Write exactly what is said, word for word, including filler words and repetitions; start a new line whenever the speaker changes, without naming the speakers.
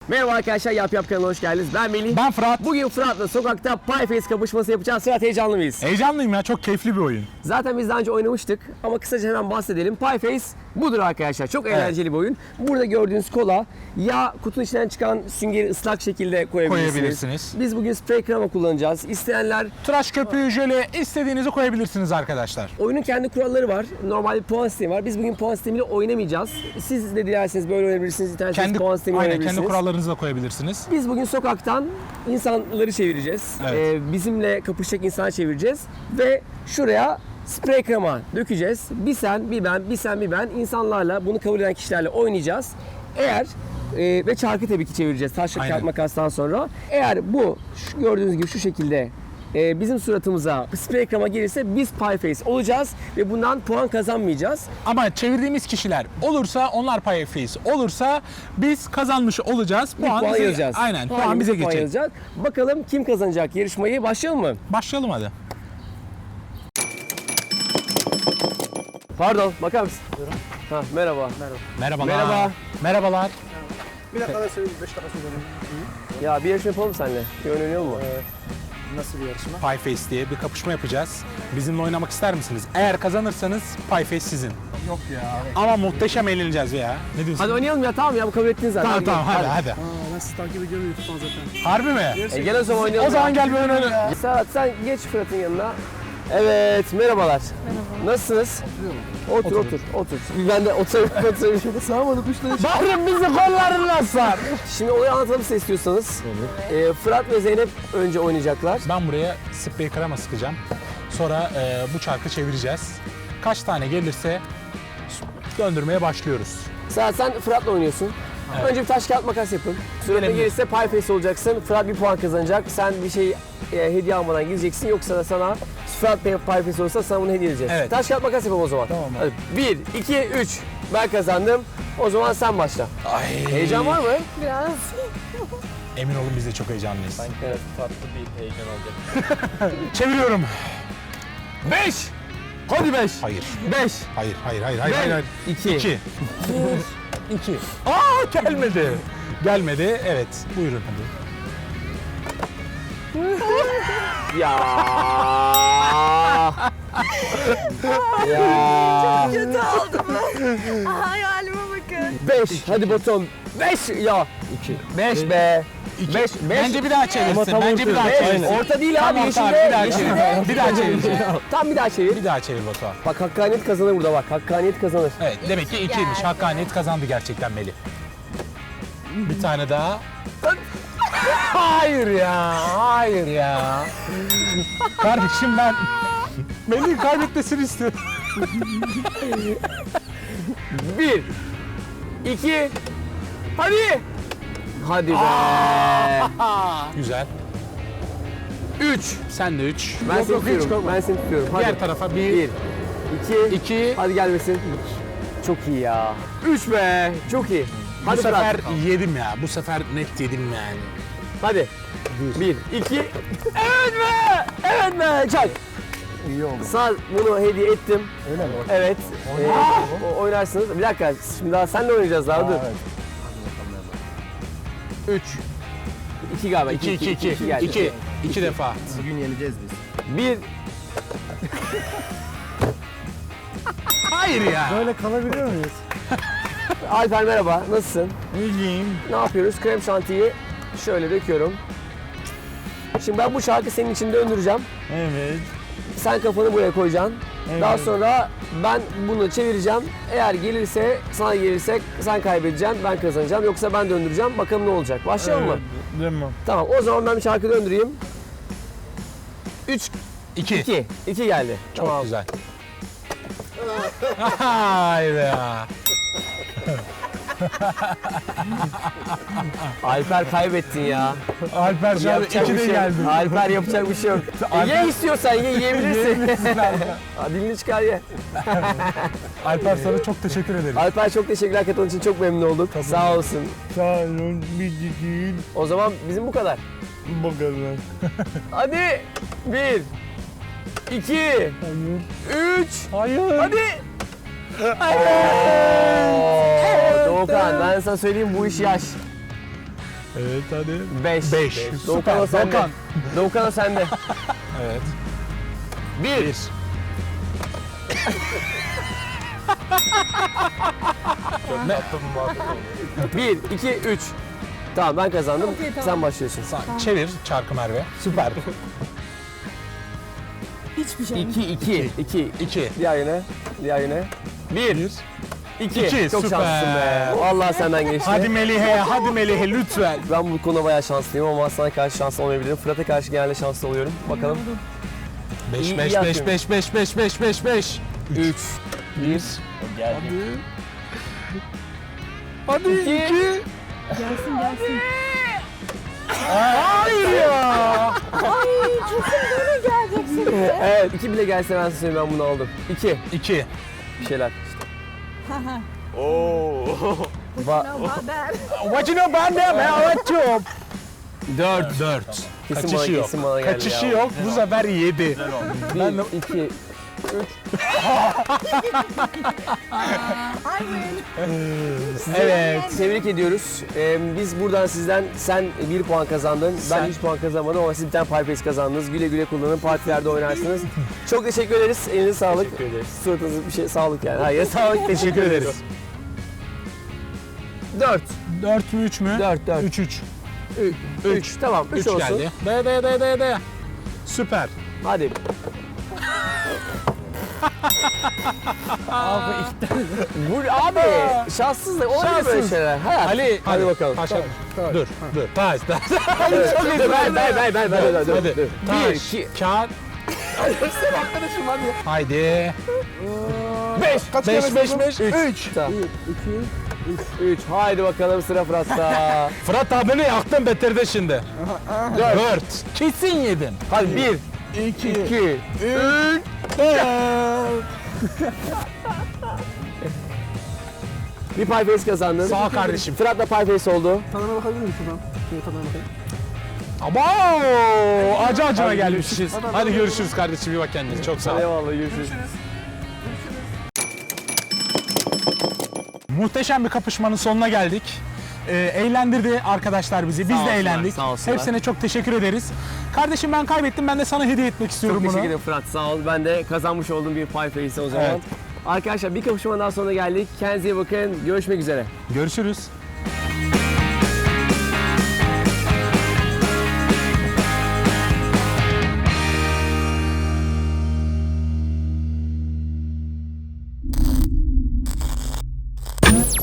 Merhaba arkadaşlar, Yap Yap kanalına hoş geldiniz. Ben Melih.
Ben Fırat.
Bugün Fırat'la sokakta Pie Face kapışması yapacağız. Fırat, heyecanlı mıyız?
Heyecanlıyım ya, çok keyifli bir oyun.
Zaten biz daha önce oynamıştık ama kısaca hemen bahsedelim. Pie Face budur arkadaşlar. Çok eğlenceli bir oyun. Burada gördüğünüz kola ya kutunun içinden çıkan süngeri ıslak şekilde koyabilirsiniz.
Koyabilirsiniz.
Biz bugün sprey krema kullanacağız. İsteyenler
Tıraş köpüğü, jöle istediğinizi koyabilirsiniz arkadaşlar.
oyunun kendi kuralları var. Normal bir puan sistemi var. Biz bugün puan sistemiyle oynamayacağız. Siz de dilerseniz böyle oynayabilirsiniz. İsterseniz
Kendi,
puan sistemi
aynen,
oynayabilirsiniz.
kendi kurallarınızı da koyabilirsiniz.
Biz bugün sokaktan insanları çevireceğiz.
Evet.
Ee, bizimle kapışacak insanı çevireceğiz. Ve şuraya sprey krema dökeceğiz. Bir sen, bir ben, bir sen, bir ben. İnsanlarla, bunu kabul eden kişilerle oynayacağız. Eğer e, ve çarkı tabii ki çevireceğiz. Taş
Aynen.
kağıt makastan sonra. Eğer bu şu gördüğünüz gibi şu şekilde e, bizim suratımıza sprey krema gelirse biz pie face olacağız ve bundan puan kazanmayacağız.
Ama çevirdiğimiz kişiler olursa onlar pie face olursa biz kazanmış olacağız.
Bir puan,
bize,
yazacağız.
Aynen, puan
Hangi
bize
puan
geçecek.
yazacak? Bakalım kim kazanacak yarışmayı? Başlayalım mı?
Başlayalım hadi.
Pardon, bakar mısın? Ha, merhaba.
Merhaba.
Merhabalar.
Merhaba.
Merhabalar.
Bir dakika da söyleyeyim, beş dakika söyleyelim.
Ya bir yarışma yapalım seninle. Bir oyun oynayalım mı?
Nasıl bir yarışma?
Pie face diye bir kapışma yapacağız. Bizimle oynamak ister misiniz? Eğer kazanırsanız pie face sizin.
Yok ya.
Ama muhteşem eğleneceğiz ya. Ne diyorsun?
Hadi oynayalım ya, tamam ya, bu kabul ettin zaten.
Tamam tamam hadi hadi.
Aa, ben sizi takip ediyorum YouTube'dan zaten.
Harbi mi?
E, gel o zaman oynayalım.
O zaman
ya.
gel bir oyun oynayalım.
Serhat, sen geç Fırat'ın yanına. Evet, merhabalar. Merhaba. Nasılsınız? Otur, otur, otur. Ben de oturayım, oturayım.
Sağmadı kuşları.
Bahrim bizi kollarına sar.
Şimdi olayı anlatalım size istiyorsanız. Ee, Fırat ve Zeynep önce oynayacaklar.
Ben buraya sprey krema sıkacağım. Sonra e, bu çarkı çevireceğiz. Kaç tane gelirse döndürmeye başlıyoruz.
Serhat, sen Fırat'la oynuyorsun.
Evet.
Önce bir taş kağıt makas yapın. Suratına
Gelelim.
gelirse pie face olacaksın. Fırat bir puan kazanacak. Sen bir şey e, hediye almadan gideceksin. Yoksa da sana Fırat pie face olursa sana bunu hediye edeceğiz.
Evet.
Taş kağıt makas yapalım o zaman.
Tamam abi.
Hadi. Bir, iki, üç. Ben kazandım. O zaman sen başla.
Ay.
Heyecan var mı?
Biraz.
Emin olun biz de çok heyecanlıyız.
Evet.
Farklı bir heyecan olacak.
Çeviriyorum.
Beş. Hadi beş.
Hayır.
Beş.
Hayır, hayır, hayır, hayır, hayır. hayır.
İki.
İki. İki. Aa gelmedi. Gelmedi. Evet. Buyurun hadi.
Ya. ya.
Kötü oldum ben. Hayalime bakın.
Beş. Hadi Batuhan. Beş. Ya. İki. Beş be.
İki.
Beş. Beş.
Bence bir daha çevirsin.
tam
Bence bir daha
Beş.
çevirsin.
Orta değil
Tamam,
abi.
tamam,
Yeşilde.
bir daha
Yeşilde.
çevir. Bir daha çevir.
Tam bir daha çevir.
Bir daha çevir Batuhan.
Bak, hakkaniyet kazanır burada bak. Hakkaniyet kazanır.
Evet, demek ki ikiymiş.
geldi.
Hakkaniyet kazandı gerçekten Melih. Bir tane daha. Hayır ya, hayır ya. Kardeşim ben Melih'in kaybetmesini istiyorum.
Bir. İki. Hadi. Hadi be.
Güzel.
Üç.
Sen de üç.
Ben
Yok,
seni
yok, hiç
tutuyorum.
korkma.
Ben seni tutuyorum. Hadi.
Diğer tarafa bir,
Bir. İki.
iki.
Hadi gelmesin. Çok iyi ya. Üç be. Çok iyi. Hadi
Bu sefer
Fırat.
yedim ya. Bu sefer net yedim yani.
Hadi. Bir. iki. Evet be. Evet be. Çak.
İyi oldu.
Sana bunu hediye ettim.
Öyle mi?
Evet. Ee, o- oynarsınız. Bir dakika. Şimdi daha senle oynayacağız daha. Dur.
Evet.
Üç. İki galiba.
İki, iki, iki. İki,
geldi.
iki. İki defa.
Bugün yeneceğiz biz.
Bir.
Hayır ya.
Böyle kalabiliyor muyuz?
Alper merhaba. Nasılsın?
İyiyim.
Ne yapıyoruz? Krem şantiyi şöyle döküyorum. Şimdi ben bu şarkı senin için döndüreceğim.
Evet.
Sen kafanı buraya koyacaksın.
Evet.
Daha sonra ben bunu çevireceğim. Eğer gelirse, sana gelirse sen kaybedeceksin, ben kazanacağım. Yoksa ben döndüreceğim. Bakalım ne olacak. Başlayalım mı?
Tamam.
Tamam. O zaman ben bir şarkı döndüreyim. Üç,
İki.
iki. İki geldi.
Çok
Tamam.
güzel. Hayır ya.
Alper kaybettin ya.
Alper şu an
Yapacak
iki
bir
de
şey
geldi.
yok. Alper yapacak bir şey yok. E,
Alper-
ye istiyorsan ye, yiyebilirsin. Ha, dilini çıkar ye.
Alper sana çok teşekkür ederim.
Alper çok teşekkürler, katıldığın için çok memnun olduk. Sağ olsun.
Sağ olun. Bir değil.
O zaman bizim bu kadar.
Bakalım.
Hadi. Bir. iki.
Hayır.
Üç.
Hayır.
Hadi. Oo, Doğukan, ben sana söyleyeyim, bu iş yaş.
Evet hadi.
beş.
beş.
Doğukan o
Süper.
sende.
Doğukan.
Doğukan o sende.
Evet.
bir.
Bir. Ne?
Tatlı bir muhabbet oldu.
bir, iki, üç. Tamam ben kazandım.
Okey, tamam.
Sen başlıyorsun.
Sağ- Çevir çarkı Merve. Süper.
Hiçbir şey.
iki, iki, iki.
İki.
Diğer yöne. Diğer yöne. bir,
Bir.
iki.
İki,
Çok
süper.
şanslısın be. Vallahi senden geçti.
Hadi Melih'e, hadi Melih'e lütfen.
Ben bu konuda bayağı şanslıyım ama sana karşı şanslı olmayabilirim. Fırat'a karşı genelde şanslı oluyorum. Bakalım.
beş,
İyi-
beş,
iyi
beş,
yapıyorum.
beş, beş, beş, beş, beş, beş.
üç, bir,
O geldi.
Hadi.
iki.
Gelsin gelsin.
Hayır ya.
Ay kesin böyle geleceksin.
Evet, iki bile gelse ben size söyleyeyim ben bunu aldım. iki.
İki.
Bir şeyler.
Oo.
Va
Haber.
What you know about that man? What you?
dört.
Dört.
Kesin
Kaçışı
bana-
yok.
kesin bana geldi
Kaçışı
ya.
yok. Bu sefer yedi. Ben de-
bir, iki.
Ay win.
Evet.
Tebrik ediyoruz. Ee, biz buradan sizden sen bir puan kazandın.
Sen-
Ben üç puan kazanmadım ama siz bir tane Pie Face kazandınız. Güle güle kullanın. Partilerde oynarsınız. Çok teşekkür ederiz. Elinize sağlık.
Teşekkür ederiz.
Suratınıza bir şey sağlık yani. Hayır sağlık. Teşekkür ederiz. dört.
Dört mü üç mü?
dört, dört.
Üç, üç.
üç. Tamam üç
Üç
olsun.
geldi. De de de de de. Süper.
Hadi. abi Bu abi şanssızlık olmuyor böyle
Şanssız.
şeyler. Hayat.
Ali,
hadi bakalım.
Taş, dur, dur. Taş, taş.
Evet, çok iyi. Ver ver ver ver ver. ver,
Hadi.
ver. Bir,
Taş,
iki,
kağıt. Haydi.
beş.
Kaç
Beş,
kere
beş,
sordum?
beş, üç.
Üç. Tamam. Üç. Haydi bakalım sıra Fırat'ta.
Fırat abini yaktın betirdi şimdi.
Dört.
Dört. Kesin yedin.
Hadi bir,
İki.
iki,
Üç.
bir Pie Face kazandın.
Sağ ol kardeşim.
Fırat'la Pie Face oldu.
Tadına bakabilir miyim şuradan? Şöyle tadına bakayım.
Abo! Acı acına
Hadi
gelmişiz. Hadi görüşürüz kardeşim. İyi bak kendine. Çok sağ ol.
Eyvallah görüşürüz.
Muhteşem bir kapışmanın sonuna geldik. Ee, eğlendirdi arkadaşlar bizi. Biz
Sağ
de
olsunlar,
eğlendik.
sağ olsunlar.
Hepsine çok teşekkür ederiz. Kardeşim ben kaybettim. Ben de sana hediye etmek istiyorum
Çok
bunu.
teşekkür ederim Fırat sağ ol. Ben de kazanmış olduğum bir Pie Face'e o zaman.
Evet.
Arkadaşlar bir kapışmadan sonra geldik. Kendinize iyi bakın. Görüşmek üzere.
Görüşürüz.